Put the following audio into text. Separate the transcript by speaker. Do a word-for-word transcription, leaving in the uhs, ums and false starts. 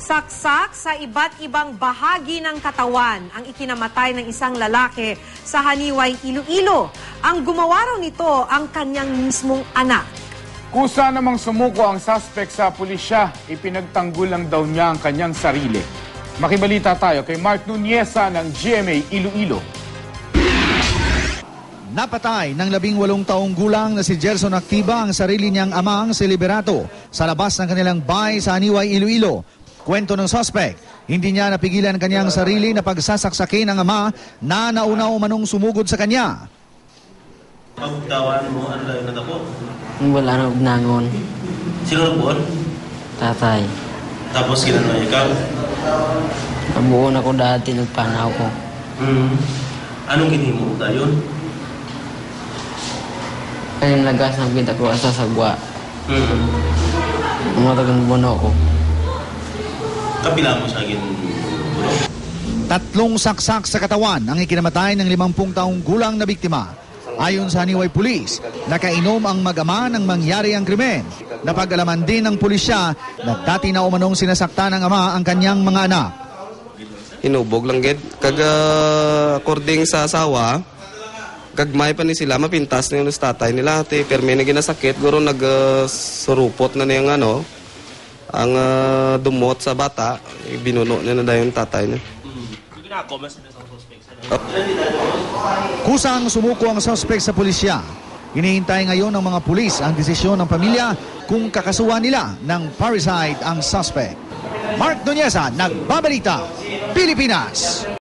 Speaker 1: Saksak sa iba't ibang bahagi ng katawan ang ikinamatay ng isang lalaki sa Haniway, Iloilo. Ang gumawa raw nito ang kanyang mismong anak.
Speaker 2: Kusa namang sumuko ang suspect sa pulisya, ipinagtanggol lang daw niya ang kanyang sarili. Makibalita tayo kay Mark Nuneza ng G M A Iloilo.
Speaker 3: Napatay ng labing walong taong gulang na si Gerson Activa ang sarili niyang amang si Liberato sa labas ng kanilang bahay sa Haniway, Iloilo. Kwento ng suspect, hindi niya napigilan kanyang sarili na pagsasaksakin ng ama na nauna umanong sumugod sa kanya.
Speaker 4: Pagtawan mo, ano lang na po?
Speaker 5: Wala na ugnangon.
Speaker 4: Sino na po?
Speaker 5: Tatay.
Speaker 4: Tapos ginano ikaw?
Speaker 5: Nabuo na ko dati, nagpanaw ko.
Speaker 4: Hmm. Anong ginimo tayo?
Speaker 5: Kayong lagas ng pinta ko asa sagwa.
Speaker 4: Hmm.
Speaker 5: Umatagang bono ko.
Speaker 4: Kapila mo sa akin.
Speaker 3: Tatlong saksak sa katawan ang ikinamatay ng limampung taong gulang na biktima. Ayon sa Haniway Police, nakainom ang mag-ama ng mangyari ang krimen. Napag-alaman din ng pulisya na dati na umanong sinasakta ng ama ang kanyang mga anak.
Speaker 6: Hinubog lang gid kag uh, according sa asawa, gagmay pa ni sila mapintas na yung tatay nila ti permi na ginasakit guro nag uh, surupot na niyang ano ang uh, dumot sa bata, binuno niya na dahil yung tatay niya.
Speaker 3: Kusang sumuko ang suspect sa pulisya. Hinihintay ngayon ng mga pulis ang desisyon ng pamilya kung kakasuhan nila ng parricide ang suspect. Mark Nuneza, Nagbabalita, Pilipinas.